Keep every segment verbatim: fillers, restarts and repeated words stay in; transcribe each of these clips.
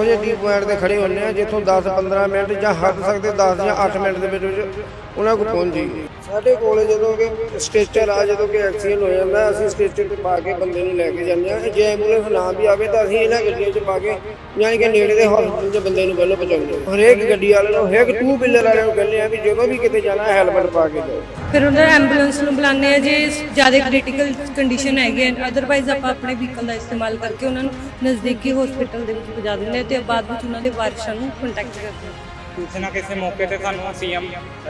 ਉਹ ਜਿਹੇ T point ਤੇ ਖੜੇ ਹੁੰਦੇ ਆ ਜਿੱਥੋਂ ਦਸ ਪੰਦਰਾਂ ਮਿੰਟ ਜਾਂ ਹੱਦ ਸਕਦੇ ਦਸ ਜਾਂ ਅੱਠ ਮਿੰਟ ਦੇ ਵਿੱਚ ਵਿੱਚ ਉਹਨਾਂ ਕੋਲ ਪਹੁੰਚ ਜਾਈਏ। ਸਾਡੇ ਕੋਲ ਜਦੋਂ ਕਿ ਸਟੇਚਰ ਆ, ਜਦੋਂ ਕਿ ਐਕਸੀਡੈਂਟ ਹੋ ਜਾਂਦਾ ਅਸੀਂ ਸਟੇਚਰ ਤੇ ਪਾ ਕੇ ਬੰਦੇ ਨੂੰ ਲੈ ਕੇ ਜਾਂਦੇ ਹਾਂ। ਜੇ ਐਂਬੂਲੈਂਸ ਨਾ ਵੀ ਆਵੇ ਤਾਂ ਅਸੀਂ ਇਹਨਾਂ ਗੱਡੀਆਂ 'ਚ ਪਾ ਕੇ ਯਾਨੀ ਕਿ ਨੇੜੇ ਦੇ ਹਸਪਤਾਲ 'ਚ ਬੰਦੇ ਨੂੰ ਪਹਿਲਾਂ ਪਹੁੰਚਾਉਂਦੇ ਹਾਂ। ਹਰੇਕ ਗੱਡੀ ਵਾਲੇ ਨੂੰ, ਹਰੇਕ ਟੂ ਵੀਲਰ ਵਾਲੇ ਨੂੰ ਕਹਿੰਦੇ ਆ ਵੀ ਜਦੋਂ ਵੀ ਕਿਤੇ ਜਾਣਾ ਹੈਲਮਟ ਪਾ ਕੇ ਜਾਓ। ਫਿਰ ਉਹਨਾਂ ਐਂਬੂਲੈਂਸ ਨੂੰ ਬੁਲਾਉਂਦੇ ਆ ਜੇ ਜ਼ਿਆਦਾ ਕ੍ਰਿਟੀਕਲ ਕੰਡੀਸ਼ਨ ਹੈਗੀ ਹੈ। ਅਦਰਵਾਈਜ਼ ਆਪਾਂ ਆਪਣੇ ਵਹੀਕਲ ਦਾ ਇਸਤੇਮਾਲ ਕਰਕੇ ਉਹਨਾਂ ਨੂੰ ਨਜ਼ਦੀਕੀ ਹਸਪੀਟਲ ਦੇ ਵਿੱਚ ਪਹੁੰਚਾ ਦਿੰਦੇ ਹਾਂ ਤੇ ਬਾਅਦ ਵਿੱਚ ਉਹਨਾਂ ਦੇ ਵਾਰਿਸਾਂ ਨੂੰ ਕੰਟੈਕਟ ਕਰਦੇ ਹਾਂ। ਕਿਸੇ ਨਾ ਕਿਸੇ ਮੌਕੇ ਤੇ ਸਾਨੂੰ ਸੀਐਮ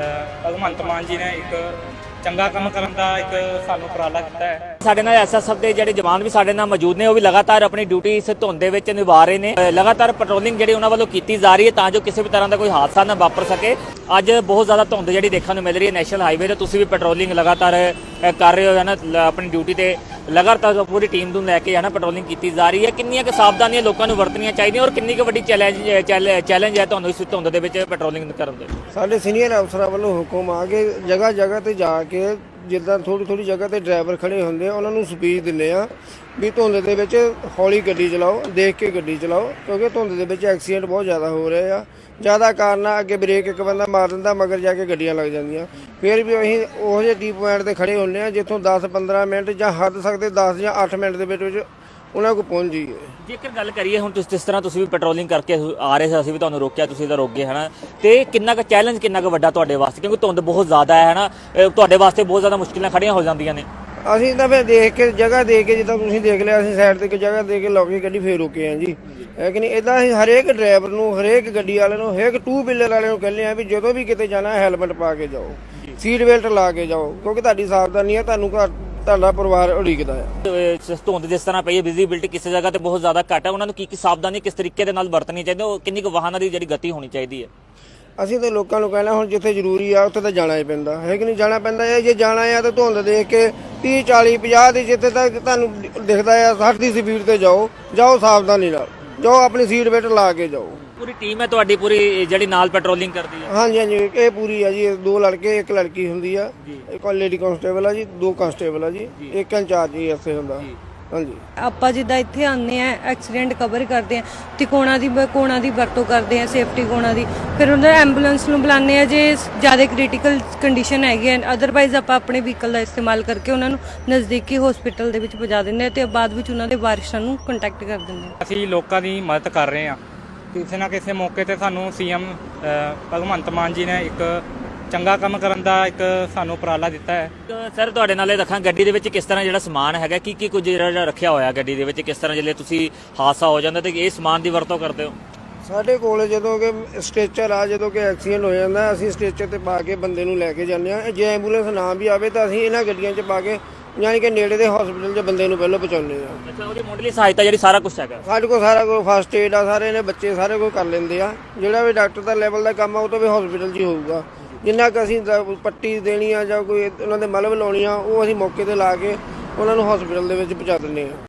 ਭਗਵੰਤ ਮਾਨ ਜੀ ਨੇ ਇੱਕ ਚੰਗਾ ਕੰਮ ਕਰਨ ਦਾ ਇੱਕ ਸਾਨੂੰ ਉਪਰਾਲਾ ਕੀਤਾ ਹੈ। ਸਾਡੇ ਨਾਲ ਐਸਐਸਐਫ ਦੇ ਜਿਹੜੇ ਜਵਾਨ ਵੀ ਸਾਡੇ ਨਾਲ ਮੌਜੂਦ ਨੇ, ਉਹ ਵੀ ਲਗਾਤਾਰ ਆਪਣੀ ਡਿਊਟੀ ਇਸ ਧੁੰਦ ਦੇ ਵਿੱਚ ਨਿਭਾ ਰਹੇ ਨੇ। ਲਗਾਤਾਰ ਪੈਟਰੋਲਿੰਗ ਜਿਹੜੀ ਉਹਨਾਂ ਵੱਲੋਂ ਕੀਤੀ ਜਾ ਰਹੀ ਹੈ ਤਾਂ ਜੋ ਕਿਸੇ ਵੀ ਤਰ੍ਹਾਂ ਦਾ ਕੋਈ ਹਾਦਸਾ ਨਾ ਵਾਪਰ ਸਕੇ। ਅੱਜ ਬਹੁਤ ਜ਼ਿਆਦਾ ਧੁੰਦ ਜਿਹੜੀ ਦੇਖਣ ਨੂੰ ਮਿਲ ਰਹੀ ਹੈ ਨੈਸ਼ਨਲ ਹਾਈਵੇ ਤੇ, ਤੁਸੀਂ ਵੀ ਪੈਟਰੋਲਿੰਗ ਲਗਾਤਾਰ ਕਰ ਰਹੇ ਹੋ ਹੈ ਨਾ, ਆਪਣੀ ਡਿਊਟੀ ਤੇ ਲਗਾਤਾਰ ਪੂਰੀ ਟੀਮ ਨੂੰ ਲੈ ਕੇ ਹੈ ਨਾ ਪੈਟਰੋਲਿੰਗ ਕੀਤੀ ਜਾ ਰਹੀ ਹੈ। ਕਿੰਨੀਆਂ ਕੁ ਸਾਵਧਾਨੀਆਂ ਲੋਕਾਂ ਨੂੰ ਵਰਤਣੀਆਂ ਚਾਹੀਦੀਆਂ ਔਰ ਕਿੰਨੀ ਕੁ ਵੱਡੀ ਚੈਲੰਜ ਚੈਲੰਜ ਹੈ ਤੁਹਾਨੂੰ ਇਸ ਧੁੰਦ ਦੇ ਵਿੱਚ ਪੈਟਰੋਲਿੰਗ ਕਰਨ ਦੇ? ਸਾਡੇ ਸੀਨੀਅਰ ਅਫਸਰਾਂ ਵੱਲੋਂ ਹੁਕਮ ਆ ਕੇ ਜਗ੍ਹਾ ਜਗ੍ਹਾ ਤੇ ਜਾ ਕੇ ਜਿੱਦਾਂ ਥੋੜ੍ਹੀ ਥੋੜ੍ਹੀ ਜਗ੍ਹਾ ਤੇ ਡਰਾਈਵਰ ਖੜੇ ਹੁੰਦੇ ਆ ਉਹਨਾਂ ਨੂੰ ਸਪੀਡ ਦਿੰਦੇ ਆ ਵੀ ਧੁੰਦ ਦੇ ਵਿੱਚ ਹੌਲੀ ਗੱਡੀ ਚਲਾਓ, ਦੇਖ ਕੇ ਗੱਡੀ ਚਲਾਓ, ਕਿਉਂਕਿ ਧੁੰਦ ਦੇ ਵਿੱਚ ਐਕਸੀਡੈਂਟ ਬਹੁਤ ਜ਼ਿਆਦਾ ਹੋ ਰਹੇ ਆ। ਜ਼ਿਆਦਾ ਕਾਰਨ ਆ ਅੱਗੇ ਬ੍ਰੇਕ ਇੱਕ ਬੰਦਾ ਮਾਰ ਦਿੰਦਾ, ਮਗਰ ਜਾ ਕੇ ਗੱਡੀਆਂ ਲੱਗ ਜਾਂਦੀਆਂ। ਫਿਰ ਵੀ ਅਸੀਂ ਉਹ ਜਿਹੇ ਟੀ ਪੁਆਇੰਟ ਤੇ ਖੜੇ ਹੁੰਦੇ ਆ ਜਿੱਥੋਂ ਦਸ ਪੰਦਰਾਂ ਮਿੰਟ ਜਾਂ ਹੱਦ ਸਕਦੇ ਦਸ ਜਾਂ ਅੱਠ ਮਿੰਟ ਦੇ ਵਿੱਚ ਵਿੱਚ ਉਹਨਾਂ ਕੋਲ ਪਹੁੰਚ ਜਾਈਏ। ਜੇਕਰ ਗੱਲ ਕਰੀਏ ਹੁਣ ਤੁਸੀਂ ਜਿਸ ਤਰ੍ਹਾਂ ਤੁਸੀਂ ਵੀ ਪੈਟਰੋਲਿੰਗ ਕਰਕੇ ਆ ਰਹੇ ਸੀ, ਅਸੀਂ ਵੀ ਤੁਹਾਨੂੰ ਰੋਕਿਆ, ਤੁਸੀਂ ਤਾਂ ਰੋਕ ਗਏ ਹੈ ਨਾ, ਤੇ ਕਿੰਨਾ ਕੁ ਚੈਲੰਜ ਕਿੰਨਾ ਕੁ ਵੱਡਾ ਤੁਹਾਡੇ ਵਾਸਤੇ, ਕਿਉਂਕਿ ਧੁੰਦ ਬਹੁਤ ਜ਼ਿਆਦਾ ਹੈ ਨਾ, ਤੁਹਾਡੇ ਵਾਸਤੇ ਬਹੁਤ ਜ਼ਿਆਦਾ ਮੁਸ਼ਕਿਲਾਂ ਖੜੀਆਂ ਹੋ ਜਾਂਦੀਆਂ ਨੇ। ਅਸੀਂ ਤਾਂ ਫਿਰ ਦੇਖ ਕੇ ਜਗ੍ਹਾ ਦੇਖ ਕੇ, ਜਿੱਦਾਂ ਤੁਸੀਂ ਦੇਖ ਲਿਆ, ਅਸੀਂ ਸਾਈਡ ਤੇ ਇੱਕ ਜਗ੍ਹਾ ਦੇ ਕੇ ਲੌਕ ਕੇ ਗੱਡੀ ਫੇਰ ਰੋਕੇ ਆ ਜੀ, ਹੈ ਕਿ ਨਹੀਂ। ਇੱਦਾਂ ਅਸੀਂ ਹਰੇਕ ਡਰਾਈਵਰ ਨੂੰ, ਹਰੇਕ ਗੱਡੀ ਵਾਲੇ ਨੂੰ, ਹਰੇਕ ਟੂ ਵੀਲਰ ਵਾਲੇ ਨੂੰ ਕਹਿੰਦੇ ਆ ਵੀ ਜਦੋਂ ਵੀ ਕਿਤੇ ਜਾਣਾ ਹੈਲਮਟ ਪਾ ਕੇ ਜਾਓ, ਸੀਟ ਬੈਲਟ ਲਾ ਕੇ ਜਾਓ, ਕਿਉਂਕਿ ਤੁਹਾਡੀ ਸਾਵਧਾਨੀ ਹੈ, ਤੁਹਾਨੂੰ ਘਰ ਤੁਹਾਡਾ ਪਰਿਵਾਰ ਉਡੀਕਦਾ ਹੈ। ਧੁੰਦ ਜਿਸ ਤਰ੍ਹਾਂ ਪਈ ਹੈ, ਵਿਜ਼ੀਬਿਲਟੀ ਕਿਸੇ ਜਗ੍ਹਾ ਤੇ ਬਹੁਤ ਜ਼ਿਆਦਾ ਘੱਟ ਹੈ, ਉਹਨਾਂ ਨੂੰ ਕੀ ਕੀ ਸਾਵਧਾਨੀ ਕਿਸ ਤਰੀਕੇ ਦੇ ਨਾਲ ਵਰਤਣੀ ਚਾਹੀਦੀ ਹੈ, ਕਿੰਨੀ ਕੁ ਵਾਹਨਾਂ ਦੀ ਜਿਹੜੀ ਗਤੀ ਹੋਣੀ ਚਾਹੀਦੀ ਹੈ? ਅਸੀਂ ਤਾਂ ਲੋਕਾਂ ਨੂੰ ਕਹਿਣਾ ਹੁਣ ਜਿੱਥੇ ਜ਼ਰੂਰੀ ਆ ਉੱਥੇ ਤਾਂ ਜਾਣਾ ਹੀ ਪੈਂਦਾ ਹੈ ਕਿ ਨਹੀਂ, ਜਾਣਾ ਪੈਂਦਾ ਹੈ। ਜੇ ਜਾਣਾ ਆ ਤਾਂ ਧੁੰਦ ਦੇਖ ਕੇ ਤੀਹ ਚਾਲੀ ਪੰਜਾਹ ਦੀ ਜਿੱਥੇ ਤੱਕ ਤੁਹਾਨੂੰ ਦਿਖਦਾ ਆ ਸੱਠ ਦੀ ਸਪੀਡ ਤੇ ਜਾਓ, ਜਾਓ ਸਾਵਧਾਨੀ ਨਾਲ ਜਾਓ, ਆਪਣੀ ਸੀਟ ਬੈਲਟ ਲਾ ਕੇ ਜਾਓ। ਪੂਰੀ ਟੀਮ ਹੈ ਤੁਹਾਡੀ ਪੂਰੀ ਜਿਹੜੀ ਨਾਲ ਪੈਟਰੋਲਿੰਗ ਕਰਦੀ ਹੈ? ਹਾਂਜੀ ਹਾਂਜੀ, ਇਹ ਪੂਰੀ ਆ ਜੀ, ਦੋ ਲੜਕੇ ਇੱਕ ਲੜਕੀ ਹੁੰਦੀ ਆ, ਇੱਕ ਲੇਡੀ ਕਾਂਸਟੇਬਲ ਆ ਜੀ, ਦੋ ਕਾਂਸਟੇਬਲ ਆ ਜੀ, ਇੱਕ ਇੰਚਾਰਜ ਜੀ ਇੱਥੇ ਹੁੰਦਾ। ਹਾਂਜੀ, ਆਪਾਂ ਜਿੱਦਾਂ ਇੱਥੇ ਆਉਂਦੇ ਆ ਐਕਸੀਡੈਂਟ ਕਵਰ ਕਰਦੇ ਆ ਤੇ ਕੋਣਾ ਦੀ ਕੋਣਾ ਦੀ ਵਰਤੋਂ ਕਰਦੇ ਆ, ਸੇਫਟੀ ਕੋਣਾ ਦੀ। ਫਿਰ ਉਹਨਾਂ ਐਂਬੂਲੈਂਸ ਨੂੰ ਬੁਲਾਉਂਦੇ ਆ ਜੇ ਜ਼ਿਆਦਾ ਕ੍ਰਿਟੀਕਲ ਕੰਡੀਸ਼ਨ ਹੈਗੀ ਹੈ। ਅਦਰਵਾਈਜ਼ ਆਪਾਂ ਆਪਣੇ ਵਹੀਕਲ ਦਾ ਇਸਤੇਮਾਲ ਕਰਕੇ ਉਹਨਾਂ ਨੂੰ ਨਜ਼ਦੀਕੀ ਹਸਪੀਟਲ ਦੇ ਵਿੱਚ ਪਹੁੰਚਾ ਦਿੰਦੇ ਆ ਤੇ ਬਾਅਦ ਵਿੱਚ ਉਹਨਾਂ ਦੇ ਵਾਰਿਸਾਂ ਨੂੰ ਕੰਟੈਕਟ ਕਰ ਦਿੰਦੇ ਆ। ਅਸੀਂ ਲੋਕਾਂ ਦੀ ਮਦਦ ਕਰ ਰਹੇ ਹਾਂ। ਕਿਸੇ ਨਾ ਕਿਸੇ ਮੌਕੇ ਤੇ ਸਾਨੂੰ ਸੀਐਮ ਭਗਵੰਤ ਮਾਨ ਜੀ ਨੇ ਇੱਕ ਚੰਗਾ ਕੰਮ ਕਰਨ ਦਾ ਇੱਕ ਸਾਨੂੰ ਉਪਰਾਲਾ ਦਿੱਤਾ ਹੈ। ਸਰ ਤੁਹਾਡੇ ਨਾਲ ਇਹ ਰੱਖਾਂ, ਗੱਡੀ ਦੇ ਵਿੱਚ ਕਿਸ ਤਰ੍ਹਾਂ ਜਿਹੜਾ ਸਮਾਨ ਹੈਗਾ, ਕੀ ਕੀ ਕੁਝ ਜਿਹੜਾ ਰੱਖਿਆ ਹੋਇਆ ਗੱਡੀ ਦੇ ਵਿੱਚ, ਕਿਸ ਤਰ੍ਹਾਂ ਜਿਹੜੇ ਤੁਸੀਂ ਹਾਦਸਾ ਹੋ ਜਾਂਦਾ ਤੇ ਇਹ ਸਮਾਨ ਦੀ ਵਰਤੋਂ ਕਰਦੇ ਹੋ? ਸਾਡੇ ਕੋਲ ਜਦੋਂ ਕਿ ਸਟੇਚਰ ਆ, ਜਦੋਂ ਕਿ ਐਕਸੀਡੈਂਟ ਹੋ ਜਾਂਦਾ ਅਸੀਂ ਸਟੇਚਰ ਤੇ ਪਾ ਕੇ ਬੰਦੇ ਨੂੰ ਲੈ ਕੇ ਜਾਂਦੇ ਹਾਂ। ਜੇ ਐਂਬੂਲੈਂਸ ਨਾ ਵੀ ਆਵੇ ਤਾਂ ਅਸੀਂ ਇਹਨਾਂ ਗੱਡੀਆਂ 'ਚ ਪਾ ਕੇ ਯਾਨੀ ਕਿ ਨੇੜੇ ਦੇ ਹਸਪੀਟਲ 'ਚ ਬੰਦੇ ਨੂੰ ਪਹਿਲਾਂ ਪਹੁੰਚਾਉਂਦੇ ਹਾਂ। ਅੱਛਾ, ਉਹਦੀ ਮੁੱਢਲੀ ਸਹਾਇਤਾ ਜਿਹੜੀ ਸਾਰਾ ਕੁਝ ਹੈਗਾ ਸਾਡੇ ਕੋਲ, ਸਾਰਾ ਕੁਝ ਫਸਟ ਏਡ ਆ, ਸਾਰੇ ਨੇ ਬੱਚੇ ਸਾਰੇ ਕੁਝ ਕਰ ਲੈਂਦੇ ਆ। ਜਿਹੜਾ ਵੀ ਡਾਕਟਰ ਦਾ ਲੈਵਲ ਦਾ ਕੰਮ ਆ ਉਹ ਤਾਂ ਵੀ ਹਸਪੀਟਲ 'ਚ ਹੀ ਹੋਊਗਾ। ਜਿੰਨਾ ਕੁ ਅਸੀਂ ਪੱਟੀ ਦੇਣੀ ਆ ਜਾਂ ਕੋਈ ਉਹਨਾਂ ਦੇ ਮਲਮ ਲਾਉਣੀ ਆ ਉਹ ਅਸੀਂ ਮੌਕੇ ਤੇ ਲਾ ਕੇ ਉਹਨਾਂ ਨੂੰ ਹਸਪੀਟਲ ਦੇ ਵਿੱਚ ਪਹੁੰਚਾ ਦਿੰਦੇ ਹਾਂ।